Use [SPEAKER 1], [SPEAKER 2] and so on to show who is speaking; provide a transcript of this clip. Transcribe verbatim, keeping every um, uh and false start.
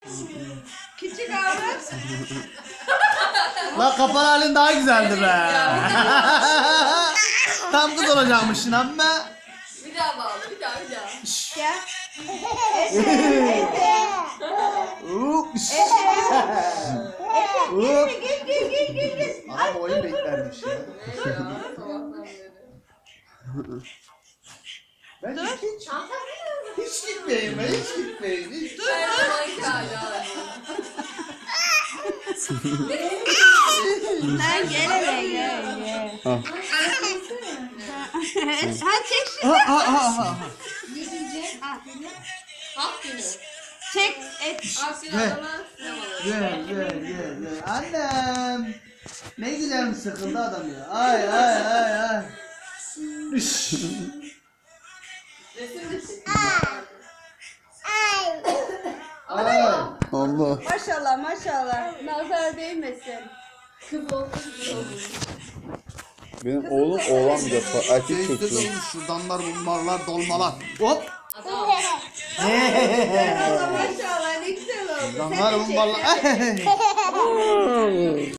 [SPEAKER 1] Küçük abi.
[SPEAKER 2] La kapalı halin daha güzeldi be. Tam kız olacakmışsın ama.
[SPEAKER 3] Bir daha bağla, bir daha, bir daha.
[SPEAKER 1] Gel. Efe.
[SPEAKER 2] Hop.
[SPEAKER 1] Efe. Gel gel gel gel gel.
[SPEAKER 2] Adam oyun beklermiş ya.
[SPEAKER 3] Ne ya, sabahtan beri.
[SPEAKER 2] Ben hiç, hiç,
[SPEAKER 3] Çanta mı?
[SPEAKER 2] hiç gitmeyeyim ben, hiç gitmeyeyim. Hiç.
[SPEAKER 3] Her zamanki hali abi.
[SPEAKER 1] Lan gel hele gel gel.
[SPEAKER 2] Ha.
[SPEAKER 1] Ha çek şu.
[SPEAKER 2] Ha ha ha ha.
[SPEAKER 3] Hap günü.
[SPEAKER 1] Çek et.
[SPEAKER 3] Hap günü
[SPEAKER 2] Gel.
[SPEAKER 3] adama sinemaları.
[SPEAKER 2] Gel gel gel gel. Annem. Ne güzel mi sıkıldı adam ya. Ay ay ay ay. Üş.
[SPEAKER 3] Resim de çek.
[SPEAKER 2] Ay. Allah.
[SPEAKER 1] Maşallah maşallah. Nazar değmesin.
[SPEAKER 3] Kız olsa güzel olur.
[SPEAKER 4] Benim oğlum oğlan bir defa erkek
[SPEAKER 2] Keyifli
[SPEAKER 4] çocuğu.
[SPEAKER 2] dolmuş şuradanlar bunlarlar dolmalar. Hop.
[SPEAKER 3] Adam.
[SPEAKER 1] Maşallah ne güzel oldu.
[SPEAKER 2] Şuradanlar bunlarlar.